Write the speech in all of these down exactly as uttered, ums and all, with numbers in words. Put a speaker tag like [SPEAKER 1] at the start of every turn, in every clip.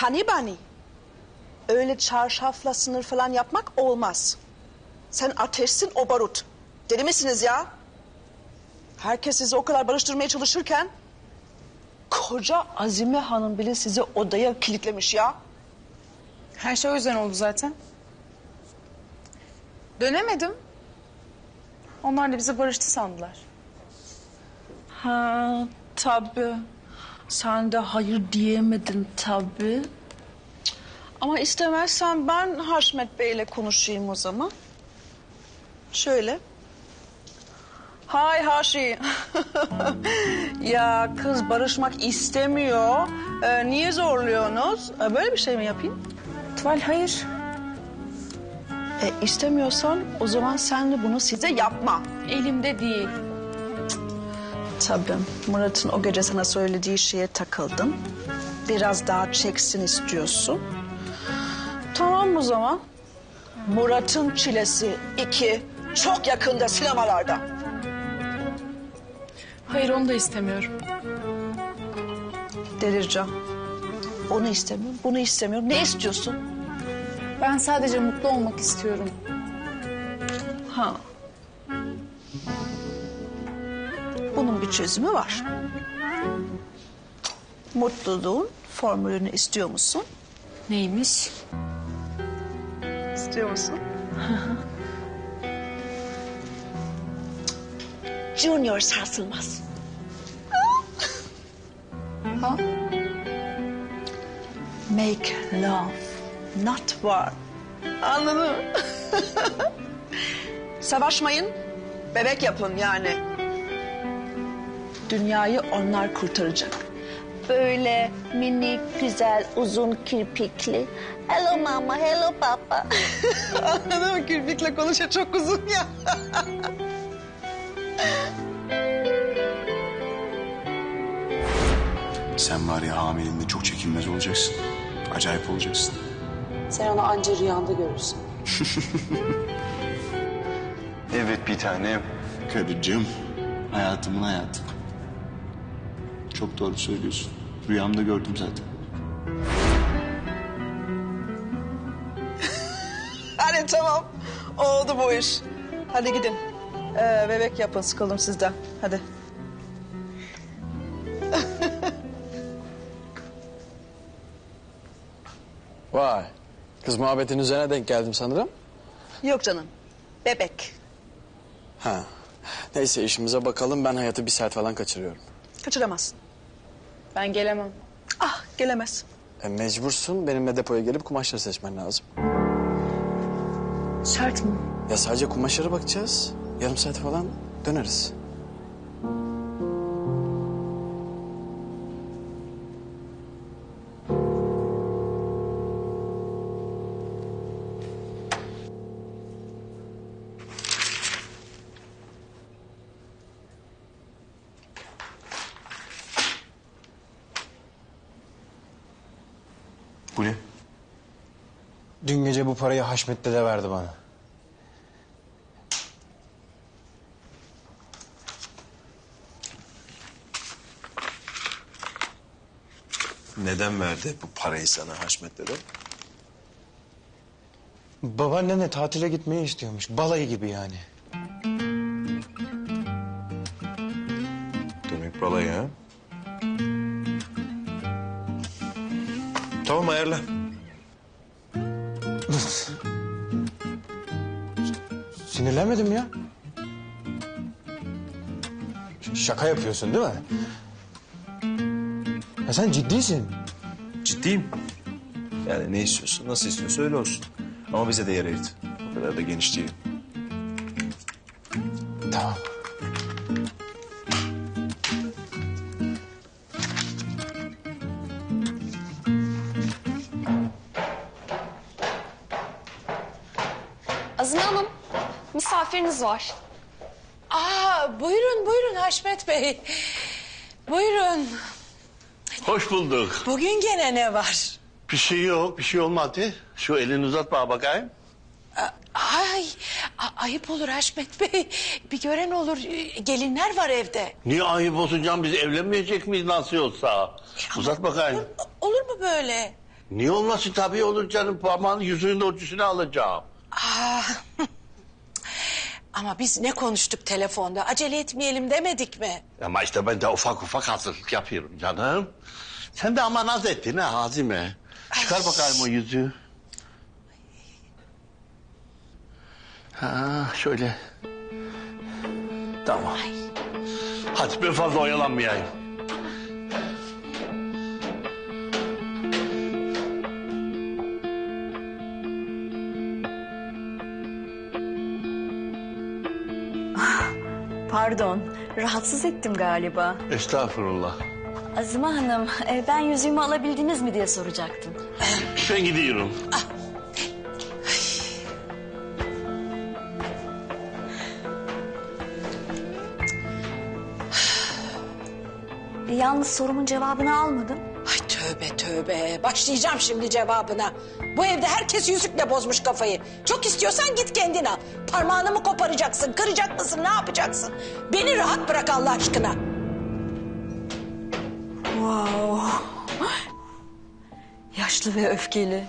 [SPEAKER 1] Hani bani. Öyle çarşafla sınır falan yapmak olmaz. Sen ateşsin, o barut. Deli misiniz ya? Herkes sizi o kadar barıştırmaya çalışırken... koca Azime Hanım bile sizi odaya kilitlemiş ya.
[SPEAKER 2] Her şey o yüzden oldu zaten. Dönemedim. Onlar da bizi barıştı sandılar.
[SPEAKER 1] Ha tabii. Sen de hayır diyemedin tabii. Ama istemezsen ben Haşmet Bey'le konuşayım o zaman. Şöyle. Hay Haşi. Ya kız barışmak istemiyor. Ee, niye zorluyorsunuz? Ee, böyle bir şey mi yapayım?
[SPEAKER 2] Tuval hayır.
[SPEAKER 1] E, istemiyorsan o zaman sen de bunu size yapma.
[SPEAKER 2] Elimde değil.
[SPEAKER 1] Tabii Murat'ın o gece sana söylediği şeye takıldın. Biraz daha çeksin istiyorsun. Tamam o zaman. Murat'ın Çilesi iki çok yakında sinemalarda.
[SPEAKER 2] Hayır onu da istemiyorum.
[SPEAKER 1] Delireceğim. Onu istemiyorum, bunu istemiyorum. Ne istiyorsun?
[SPEAKER 2] Ben sadece mutlu olmak istiyorum.
[SPEAKER 1] Ha. Bunun bir çözümü var. Mutluluğun formülünü istiyor musun?
[SPEAKER 2] Neymiş?
[SPEAKER 1] İstiyor musun? Junior sarsılmaz.
[SPEAKER 2] Ha?
[SPEAKER 1] Make love, not war. Anladın mı? Savaşmayın, bebek yapın yani. Dünyayı onlar kurtaracak. Böyle minik, güzel, uzun kirpikli. Hello mama, hello papa. Anladın mı? Kirpikle konuşuyor, çok uzun ya.
[SPEAKER 3] Sen var ya hamileliğinde çok çekinmez olacaksın. Acayip olacaksın.
[SPEAKER 4] Sen onu anca rüyanda görürsün.
[SPEAKER 3] Evet bir tanem. Karıcığım. Hayatımın hayatı. Çok doğru söylüyorsun. Rüyamda gördüm zaten.
[SPEAKER 1] Hadi tamam, oldu bu iş. Hadi gidin. Ee, bebek yapın, sıkıldım sizden. Hadi.
[SPEAKER 5] Vay. Kız muhabbetin üzerine denk geldim sanırım.
[SPEAKER 1] Yok canım, bebek.
[SPEAKER 5] Ha. Neyse işimize bakalım. Ben hayatı bir saat falan kaçırıyorum.
[SPEAKER 1] Kaçıramazsın.
[SPEAKER 2] Ben gelemem.
[SPEAKER 1] Ah, gelemez.
[SPEAKER 5] E, mecbursun. Benimle depoya gelip kumaşları seçmen lazım.
[SPEAKER 2] Şart mı?
[SPEAKER 5] Ya sadece kumaşlara bakacağız. Yarım saat falan döneriz.
[SPEAKER 3] Bu ne?
[SPEAKER 6] Dün gece bu parayı Haşmet dede verdi bana.
[SPEAKER 3] Neden verdi bu parayı sana Haşmet dede?
[SPEAKER 6] Babaannenle tatile gitmeyi istiyormuş. Balayı gibi yani.
[SPEAKER 3] Demek balayı ha? Tamam ayarla.
[SPEAKER 6] Sinirlenmedim ya. Ş- Şaka yapıyorsun değil mi? Ya sen ciddisin.
[SPEAKER 3] Ciddiyim. Yani ne istiyorsun, nasıl istiyorsa öyle olsun. Ama bize de yer ayırt. O kadar da geniş değil.
[SPEAKER 6] Tamam.
[SPEAKER 4] Azime Hanım, misafiriniz var.
[SPEAKER 7] Aa, buyurun buyurun Haşmet Bey. Buyurun.
[SPEAKER 8] Hoş bulduk.
[SPEAKER 7] Bugün gene ne var?
[SPEAKER 8] Bir şey yok, bir şey olmadı. Şu elini uzat bana bakayım.
[SPEAKER 7] Ay, a- ayıp olur Haşmet Bey. Bir gören olur. Gelinler var evde.
[SPEAKER 8] Niye ayıp olsun canım, biz evlenmeyecek miyiz nasıl olsa? Uzat bakayım.
[SPEAKER 7] Olur, olur mu böyle?
[SPEAKER 8] Niye olmasın, tabii olur canım. Parmağın yüzüğün de ölçüsünü alacağım.
[SPEAKER 7] Aa, ama biz ne konuştuk telefonda? Acele etmeyelim demedik mi?
[SPEAKER 8] Ama işte ben de ufak ufak hazırlık yapıyorum canım. Sen de ama naz ettin ha Azime. Çıkar bakayım o yüzüğü. Ha şöyle. Tamam. Hadi ben fazla oyalanmayayım.
[SPEAKER 9] Pardon, rahatsız ettim galiba.
[SPEAKER 8] Estağfurullah.
[SPEAKER 9] Azime Hanım, e, ben yüzüğümü alabildiniz mi diye soracaktım.
[SPEAKER 8] Ben gidiyorum.
[SPEAKER 9] E, yalnız sorumun cevabını almadım.
[SPEAKER 7] Ay tövbe tövbe. Başlayacağım şimdi cevabına. Bu evde herkes yüzükle bozmuş kafayı. Çok istiyorsan git kendin al. Parmağını mı koparacaksın, kıracak mısın, ne yapacaksın? Beni rahat bırak Allah aşkına.
[SPEAKER 9] Wow. Yaşlı ve öfkeli.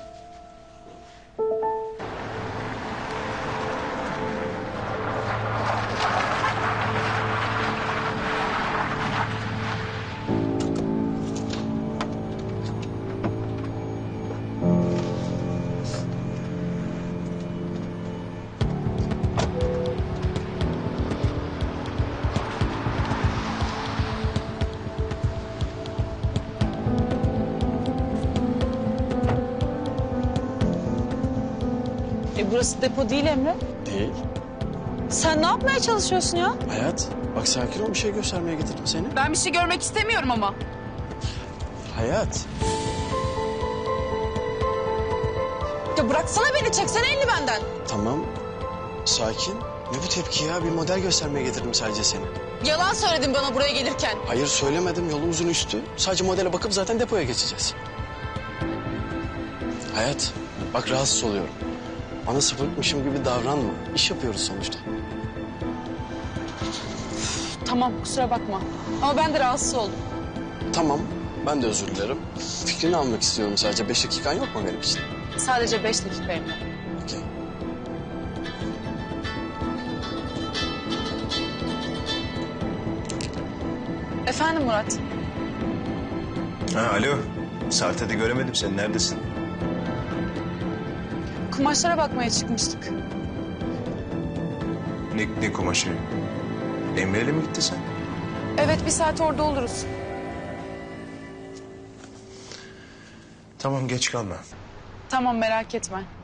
[SPEAKER 2] E burası depo değil Emre.
[SPEAKER 5] Değil.
[SPEAKER 2] Sen ne yapmaya çalışıyorsun ya?
[SPEAKER 5] Hayat, bak sakin ol, bir şey göstermeye getirdim seni.
[SPEAKER 2] Ben bir şey görmek istemiyorum ama.
[SPEAKER 5] Hayat.
[SPEAKER 2] Ya bıraksana beni, çeksene elini benden.
[SPEAKER 5] Tamam, sakin. Ne bu tepki ya? Bir model göstermeye getirdim sadece seni.
[SPEAKER 2] Yalan söyledin bana buraya gelirken.
[SPEAKER 5] Hayır söylemedim, yolumuzun üstü. Sadece modele bakıp zaten depoya geçeceğiz. Hayat, bak rahatsız oluyorum. Bana sıfırmışım gibi davranma. İş yapıyoruz sonuçta.
[SPEAKER 2] Tamam, kusura bakma. Ama ben de rahatsız oldum.
[SPEAKER 5] Tamam, ben de özür dilerim. Fikrini almak istiyorum sadece. Beş dakikan yok mu benim için?
[SPEAKER 2] Sadece beş dakika Emre.
[SPEAKER 5] Okey.
[SPEAKER 2] Efendim Murat.
[SPEAKER 3] Ha, alo. Sarte'de göremedim seni. Neredesin?
[SPEAKER 2] Kumaşlara bakmaya çıkmıştık.
[SPEAKER 3] Ne, ne kumaşı? Emre'yle mi gittin sen?
[SPEAKER 2] Evet, bir saat orada oluruz.
[SPEAKER 3] Tamam, geç kalma.
[SPEAKER 2] Tamam, merak etme.